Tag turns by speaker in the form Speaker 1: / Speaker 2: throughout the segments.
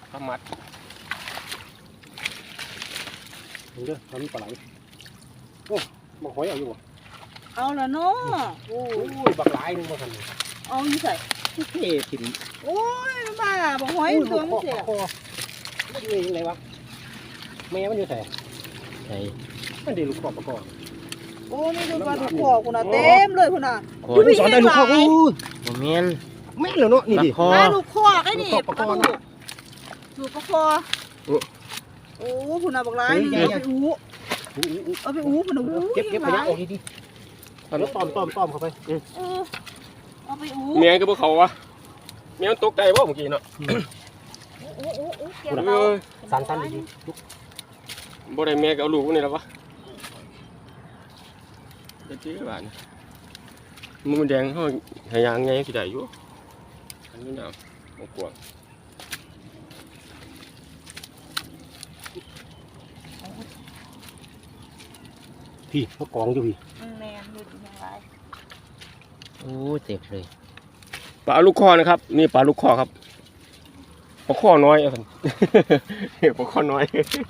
Speaker 1: ปลาหมัด
Speaker 2: เด้อทำปลาไหลโอ้บักหอยเอาอยู่บ่
Speaker 3: เอาละเนาะโอ้ย
Speaker 2: บักหลายนึงบ่ทัน
Speaker 3: เอาอยู่ใส่
Speaker 2: เท่ถิ่น
Speaker 3: โอ้ยบ้าบอกหอยตัวมันเสีย
Speaker 2: มันอยู่ยังไงวะแม่มันอยู่ไหน
Speaker 1: ใช่
Speaker 2: มันได้ลูกขอบประกอบ
Speaker 3: โอ้นี่ดูปลาดุกคอคุณน่ะเต็มเลยคุณน่ะ
Speaker 1: ค
Speaker 3: ดู
Speaker 1: น
Speaker 3: พี่
Speaker 2: สอน
Speaker 3: เห็
Speaker 2: ได้
Speaker 3: น
Speaker 2: ลูก
Speaker 3: ห
Speaker 2: ขอ
Speaker 3: ลา
Speaker 2: บ
Speaker 3: ย
Speaker 1: โมเมน
Speaker 2: แม่นเลยเนาะนี่ดิ
Speaker 1: คอ
Speaker 3: ปลาดุกคอไอ้นี่
Speaker 2: ปลา
Speaker 3: ปลา
Speaker 2: คอ
Speaker 3: ดุกดูปลาคอโอ้คุณน่ะบอกร้ายนี่เอาไปอู้เอาไปอู้คุณน่ะอู้
Speaker 2: เก็บขยะออกดีๆแล้วต้อมเข้าไป
Speaker 3: เอาไปอู้
Speaker 1: เมียก็บ่เขาวะเมียมันตกใจบ่เมื่อกี้เนาะ
Speaker 3: อู้เก็บเรา
Speaker 2: สั้นๆดี
Speaker 1: บ่ได้เมียก็เอาลูกนี่แล้ววะจะจี้บ้านมือแดงเฮาให้ยางไงสิได้อยู่อันนี้น่ะบ่กลัว
Speaker 2: พี่เขากองอยู่พี่
Speaker 3: แมนดูดีอย่างไร
Speaker 1: โอ้เจ็บเลยปลาลูกคอนะครับนี่ปลาลูกคอครับปลาคอน้อยอ่ะท่าน ปลาคอน้อย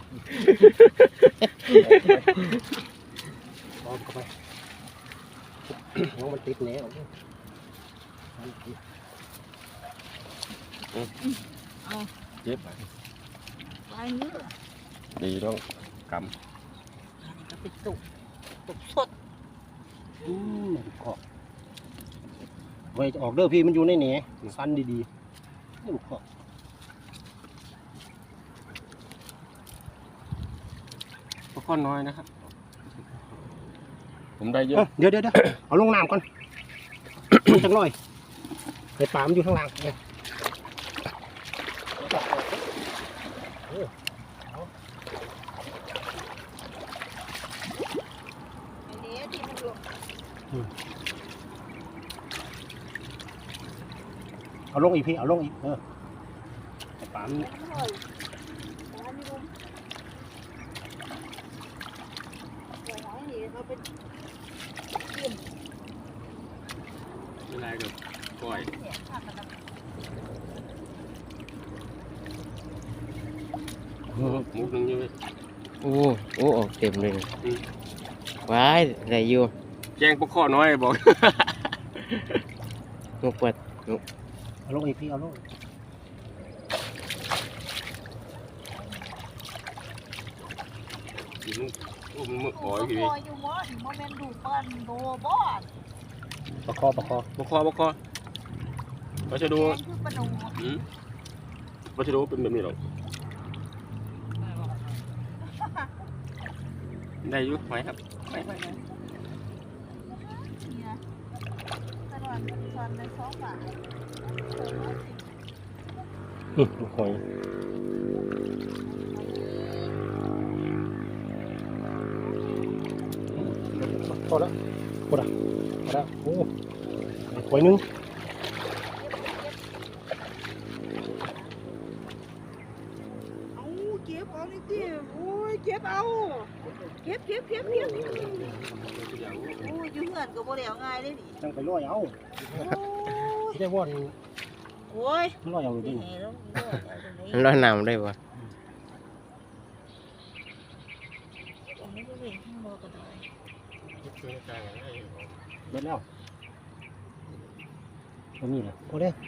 Speaker 2: กองเข้าไปน้องมันติดแหนออก
Speaker 1: เจ็บ
Speaker 3: ไปเนื้อ
Speaker 1: ดีต้องก
Speaker 3: ก็ไปสุกสด
Speaker 2: ขอบไว้ออกเด้อพี่มันอยู่ในแหนสั้นดีๆลูกขอบ
Speaker 1: ำปลาคอน้อยนะครับผมได้เยอะ
Speaker 2: เดี๋ยวเอาลงน้ำก่อนจังหน่อยไอ้ปลามันอยู่ข้างล่างเนี่ย
Speaker 3: อันนี้ที่มันลง
Speaker 2: เอาลงอีกพี่เอาลงอีกไอ้ปลามัน
Speaker 3: อร่อยอันนี้ลงเดี๋ยวอันนี้เขาเป็น
Speaker 1: ไม่ไรกับก้อย
Speaker 3: เนี่ยผักกระดาษ
Speaker 1: มุกนึงอยู่เลย
Speaker 4: โอ้ออกเต็มเลยว้ายอะไรอยู่
Speaker 1: แกงปลาคอน้อยบอก
Speaker 4: นกปัด
Speaker 2: เอาลงอีกพี่เอาลง
Speaker 1: มันมึกอ๋อยพี่
Speaker 3: อยู่มอถึงโมเมนต์ดูเปิ้ลดูบอส
Speaker 2: ประคอ
Speaker 1: ปลาคอปลาชะโดู
Speaker 3: คือปลาดู
Speaker 1: ปลาชะโดูเป็นแบบนี้หรอกได้อยุไหมครับไหม
Speaker 3: เนี่ยตลอดตอนใน2 บาท
Speaker 2: ลูกหอยพอแล้วโอ้หอยนึง
Speaker 3: เอาเก็บเอานี่ดิโอ้ยเก็บเอาเก็บโอ้ยอยู่เหือนก็บ่ได้เอาง่ายเลยนี่
Speaker 2: จังไปลอยเอา
Speaker 3: โอ้ย
Speaker 2: ได้ว่อน
Speaker 3: โอ้ย
Speaker 2: ลอยเอาอยู่ดิ
Speaker 3: นี่แล้ว
Speaker 4: มันลอยน้ำได้ปะ
Speaker 3: ไม่ได้เห็นข้างบนก็ได้
Speaker 2: เบิดแล้วตรงนี้แหละพอแล้ว